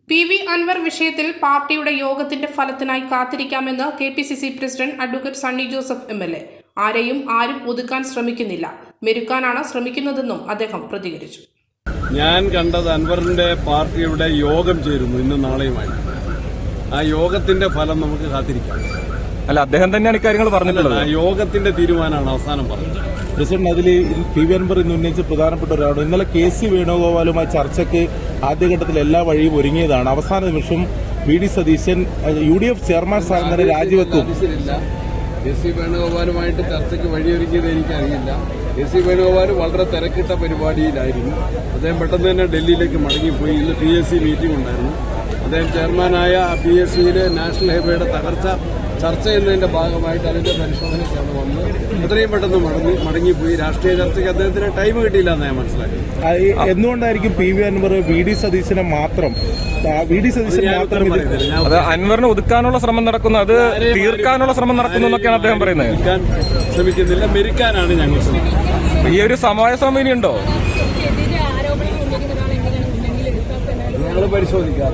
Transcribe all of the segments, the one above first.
PV Anwar വിഷയത്തിൽ പാർട്ടിയുടെ യോഗത്തിന്റെ ഫലത്തിനായി കാത്തിരിക്കാമെന്ന് KPCC president advocate Sunny Joseph MLA. ആരും ഒതുക്കാൻ ശ്രമിക്കുന്നില്ല, മെരുക്കാനാണ് ശ്രമിക്കുന്നതെന്നും അദ്ദേഹം പ്രതികരിച്ചു. ഞാൻ കണ്ടത് അൻവറിന്റെ പാർട്ടിയുടെ യോഗം ചേരുന്നു ഇന്ന് നാളെയുമായി. ആ യോഗത്തിന്റെ ഫലം നമുക്ക് കാത്തിരിക്കാം. അല്ല, അദ്ദേഹം തന്നെയാണ് ഇക്കാര്യങ്ങൾ പറഞ്ഞിട്ടുള്ളത്. ആ യോഗത്തിന്റെ തീരുമാനമാണ് അവസാനം പറഞ്ഞത്. പ്രസിഡന്റ്, അതിൽ PV അൻവർ ഇന്ന് ഉന്നയിച്ച പ്രധാനപ്പെട്ട ഒരാളാണ്. ഇന്നലെ KC വേണുഗോപാലുമായി ചർച്ചയ്ക്ക് ആദ്യഘട്ടത്തിൽ എല്ലാ വഴിയും ഒരുങ്ങിയതാണ്. അവസാന നിമിഷം VD സതീശൻ UDF ചെയർമാൻ സ്ഥാനം തന്നെ രാജിവെക്കും. KC വേണുഗോപാലുമായിട്ട് ചർച്ചയ്ക്ക് വഴിയൊരുക്കിയത് എനിക്കറിയില്ല. KC വേണുഗോപാൽ വളരെ തിരക്കിട്ട പരിപാടിയിലായിരുന്നു. അദ്ദേഹം പെട്ടെന്ന് തന്നെ ഡൽഹിയിലേക്ക് മടങ്ങിപ്പോയി. ഇന്ന് PSC മീറ്റിംഗ് ഉണ്ടായിരുന്നു. അദ്ദേഹം ചെയർമാനായ PSCയിലെ നാഷണൽ ഹൈവേയുടെ തകർച്ച ചർച്ച ചെയ്യുന്നതിന്റെ ഭാഗമായിട്ട് അതിന്റെ പരിശോധനയ്ക്കാണ് വന്ന് എത്രയും പെട്ടെന്ന് മടങ്ങിപ്പോയി. രാഷ്ട്രീയ ചർച്ചയ്ക്ക് അദ്ദേഹത്തിന് ടൈം കിട്ടിയില്ല എന്ന് ഞാൻ മനസ്സിലാക്കി. എന്തുകൊണ്ടായിരിക്കും PV അൻവർ VD സതീശനെ മാത്രം അത് അൻവറിനെ ഒതുക്കാനുള്ള ശ്രമം നടക്കുന്നു, അത് തീർക്കാനുള്ള ശ്രമം നടക്കുന്നു എന്നൊക്കെയാണ് അദ്ദേഹം പറയുന്നത്. ശ്രമിക്കുന്നില്ല, മെരുക്കാനാണ് ഞങ്ങൾ ശ്രമിക്കുന്നത്. ഈ ഒരു സമവായ ശ്രമം ഇനിയുണ്ടോ? ഞങ്ങൾ പരിശോധിക്കാം.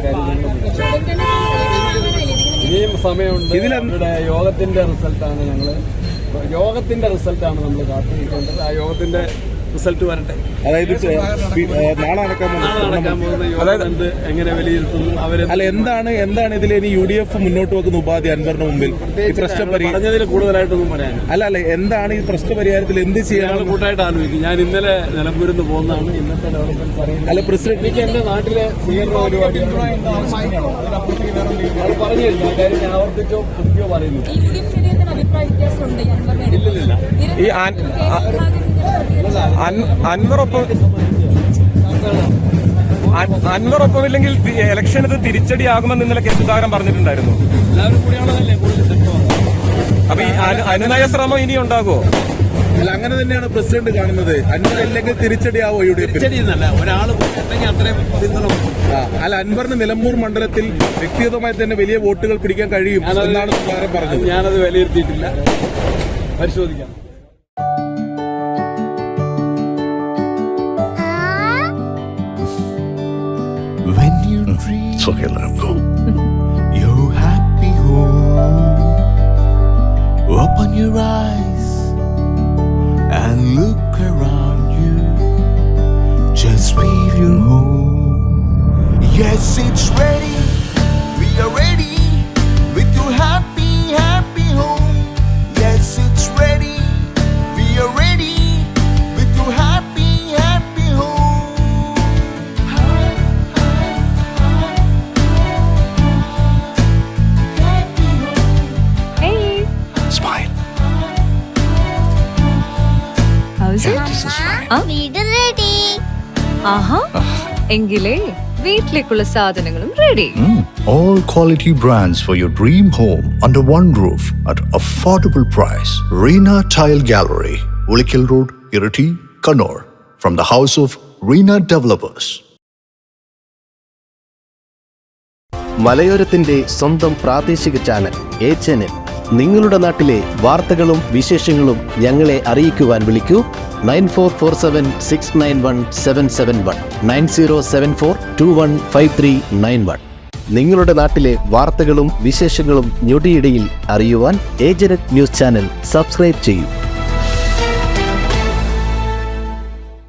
ഇനിയും സമയമുണ്ട്. ഇതിലെ യോഗത്തിന്റെ റിസൾട്ടാണ് നമ്മൾ കാത്തിരിക്കേണ്ടത്. ആ യോഗത്തിന്റെ റിസൾട്ട് വരട്ടെ. അതായത് നാളെ നടക്കാൻ പോകുന്ന യോഗം എങ്ങനെ വിലയിരുത്തുന്നു എന്താണ് ഇതിൽ ഇനി UDF മുന്നോട്ട് വെക്കുന്ന ഉപാധി അൻവറിന് മുമ്പിൽ ഈ പ്രശ്നം പറഞ്ഞതിൽ കൂടുതലായിട്ടൊന്നും പറയാൻ അല്ല എന്താണ് ഈ പ്രശ്ന പരിഹാരത്തിൽ എന്ത് ചെയ്യാൻ കൂട്ടായിട്ട് ആലോചിക്കും. ഞാൻ ഇന്നലെ നിലമ്പൂരിൽ നിന്ന് പോകുന്നതാണ്. ഇന്നത്തെ ഡെവലപ്മെന്റ് അറിയുന്നത്. അല്ല പ്രസിഡന്റ്, എനിക്ക് എന്റെ നാട്ടിലെ സ്വീകരണ പരിപാടി അത് പറഞ്ഞില്ല. കാര്യം ഞാൻ ആവർത്തിച്ചോ പുതിയോ പറയുന്നു. ഇല്ലില്ല. ഈ അൻവറൊപ്പമില്ലെങ്കിൽ ഇലക്ഷൻ ഇത് തിരിച്ചടിയാകുമെന്ന് ഇന്നലെ കെ സുധാകരൻ പറഞ്ഞിട്ടുണ്ടായിരുന്നു. അപ്പൊ ഈ അനുനയ ശ്രമം ഇനി ഉണ്ടാകുമോ? അല്ല, അങ്ങനെ തന്നെയാണ് പ്രസിഡന്റ് കാണുന്നത്. അൻവർ അല്ലെങ്കിൽ തിരിച്ചടിയാവോ UDF? അല്ല, അൻവറിന് നിലമ്പൂർ മണ്ഡലത്തിൽ വ്യക്തിഗതമായി തന്നെ വലിയ വോട്ടുകൾ പിടിക്കാൻ കഴിയും എന്നാണ് സുധാകരൻ പറഞ്ഞത്. ഞാനത് വിലയിരുത്തിയിട്ടില്ല, പരിശോധിക്കാം. When you dream, it's okay, let him go. Your happy home. Open your eyes and look around you. Just feel your home. Yes, it's ready. We are ready with your happy, happy home. Yes, it's ready. We are ready with your happy, happy home. എങ്കിലേ വീട്ടിലേക്കുള്ള സാധനങ്ങളും ready. All quality brands for your dream home under one roof at affordable price. Reena Tile Gallery, Ulikil Road, Irati, Kannur. From the house of Reena Developers. മലയോരത്തിന്റെ സ്വന്തം പ്രാദേശിക channel A-Channel. നിങ്ങളുടെ നാട്ടിലെ വാർത്തകളും വിശേഷങ്ങളും ഞങ്ങളെ അറിയിക്കുവാൻ വിളിക്കൂ 9447691771 9074215391. നിങ്ങളുടെ നാട്ടിലെ വാർത്തകളും വിശേഷങ്ങളും ഞൊടിയിടയിൽ അറിയുവാൻ A-Channel ന്യൂസ് ചാനൽ സബ്സ്ക്രൈബ് ചെയ്യൂ.